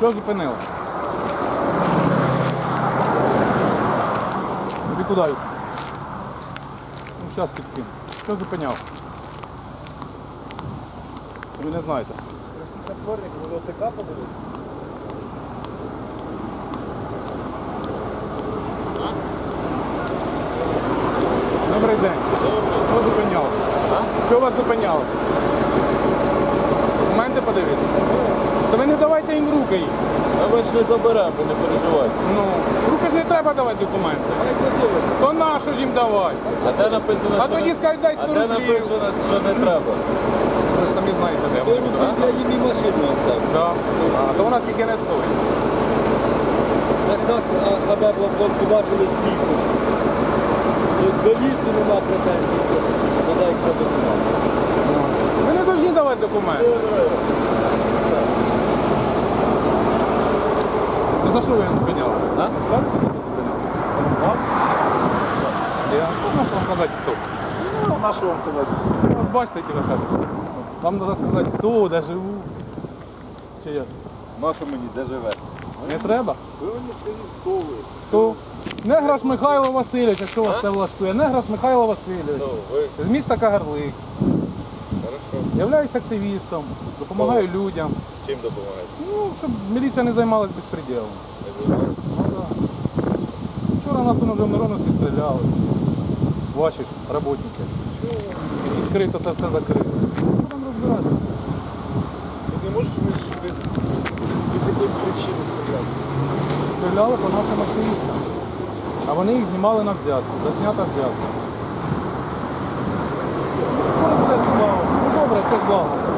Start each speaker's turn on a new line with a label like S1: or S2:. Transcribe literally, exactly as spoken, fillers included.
S1: Що зупинило? Тобі куди? Ну, зараз підкину. Що зупиняв? Ви не знаєте.
S2: Затворник, ви ОТК подивитися?
S1: Добрий день. Що зупиняло? Що вас зупиняло? Документи подивіться. То ви не давайте їм руки їх.
S2: А ми ж не заберемо, ви не переживайте.
S1: Ну, руки ж не треба давати документи. То нащо ж їм давати?
S2: А де написано,
S1: А
S2: що
S1: тоді
S2: не-
S1: скажуть, дай
S2: а
S1: сто
S2: де
S1: рублів.
S2: написано, що не треба?
S1: Ви самі знаєте, де вони будуть.
S2: Я їм і машину оставлю.
S1: Да. А то вона тільки не стоїть.
S2: Так так, а тебе хлопці бачили стійку. До лісу нема претензій, вода їх треба знати.
S1: Ви не повинні давати документи. Ну за що ви його зупиняли?
S2: А?
S1: Не скажете, хто зупиняв? Так? Я ну, можу вам казати, хто.
S2: Ну, на що вам казати?
S1: От бачите, які ви кажете. Вам треба сказати, хто, де живу. Чи як?
S2: На що мені, де живе?
S1: Не треба?
S2: Ви мені скажіть, хто ви?
S1: Хто? Неграш Михайло Васильович, якщо вас це влаштує. Неграш Михайло Васильович.
S2: Ну, ви,
S1: З міста Кагарлик.
S2: хорошо.
S1: Являюсь активістом, допомагаю людям.
S2: Чим допомагаєте?
S1: Ну, щоб міліція не займалась безпреділом.
S2: Не займаєте?
S1: Ну, да. Вчора нас тут вже в Мироновці стріляли. Ваші ж роботники. І скрито це все закрито. Будемо розбиратися.
S2: Ви не можете ми ж без, без якоїсь причини стріляти?
S1: Стріляли по нашим активістам. А вони їх знімали на взятку. Заснята взятка. Ну, буде цікаво. Ну добре, це благо.